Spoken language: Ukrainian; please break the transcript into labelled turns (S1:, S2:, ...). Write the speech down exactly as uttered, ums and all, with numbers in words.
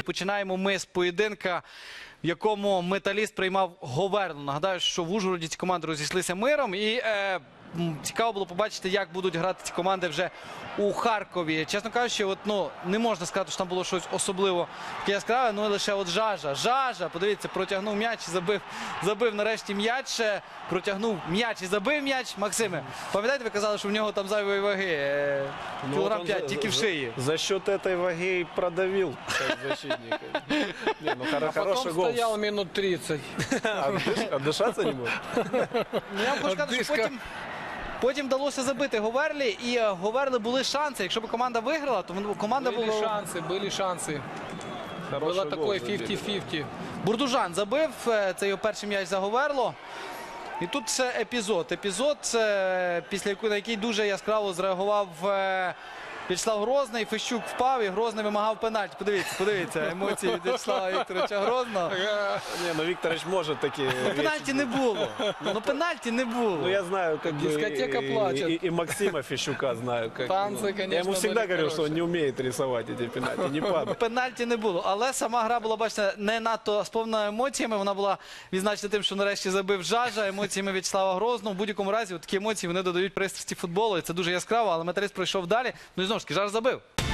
S1: починаємо ми з поєдинка, в якому Металіст приймав Говерлу. Нагадаю, що в Ужгороді ці команди розійшлися миром. І е, цікаво було побачити, як будуть грати ці команди вже у Харкові. Чесно кажучи, от, ну, не можна сказати, що там було щось особливо таке яскраве, ну лише от Жажа. Жажа, подивіться, протягнув м'яч і забив, забив нарешті м'яч. Протягнув м'яч і забив м'яч. Максиме, пам'ятаєте, ви казали, що в нього там зайвої ваги? Е,
S2: Ну,
S1: кілограм
S2: вот
S1: п'ять,
S2: за-
S1: тільки в
S2: за-
S1: шиї.
S2: За счет этой ваги и продавил как защитник. Не, ну, хоро-
S3: А потом
S2: хороший гол.
S3: стоял минут тридцать.
S2: Отдыш- Отдышаться не может?
S1: Ну, я вам хочу сказати, що
S3: Дишка.
S1: потім, потім вдалося забити Говерлі, і е, Говерли були шанси. Якщо б команда виграла, то вон- команда
S3: Были
S1: була...
S3: шансы, были шансы.
S2: Хороший
S3: Было
S2: гол
S3: такое
S2: забили.
S3: пятьдесят на пятьдесят.
S1: Бурдужан забив, е, це його перший м'яч за Говерло. І тут це епізод. Епізод, е, після якого, на який дуже яскраво зреагував е, В'ячеслав Грозний. Фещук впав і Грозний вимагав пенальті. Подивіться, подивіться, емоції від В'ячеслава Вікторовича Грозного.
S2: Не, ну Викторович может такие
S1: Пенальті не було. Ну пенальті не було.
S2: Ну, я знаю, как бы,
S3: Дискотека
S2: и-
S3: плачет.
S2: И, и Максима Фещука знаю. Как,
S3: Танцы,
S2: ну, я
S3: конечно,
S2: ему всегда
S3: были
S2: говорил, что он
S3: хорошие.
S2: не умеет рисовать эти пенальти, не падает.
S1: Пенальті не було, але сама гра була, бачите, не надто сповнена емоціями. Вона була відзначена тим, що нарешті забив Жажа, емоціями В'ячеслава Грозного. В будь-якому разі от такі емоції вони додають пристрасті футболу. І це дуже яскраво, але Металіст пройшов далі. Ну і знову ж таки, Жаж забив.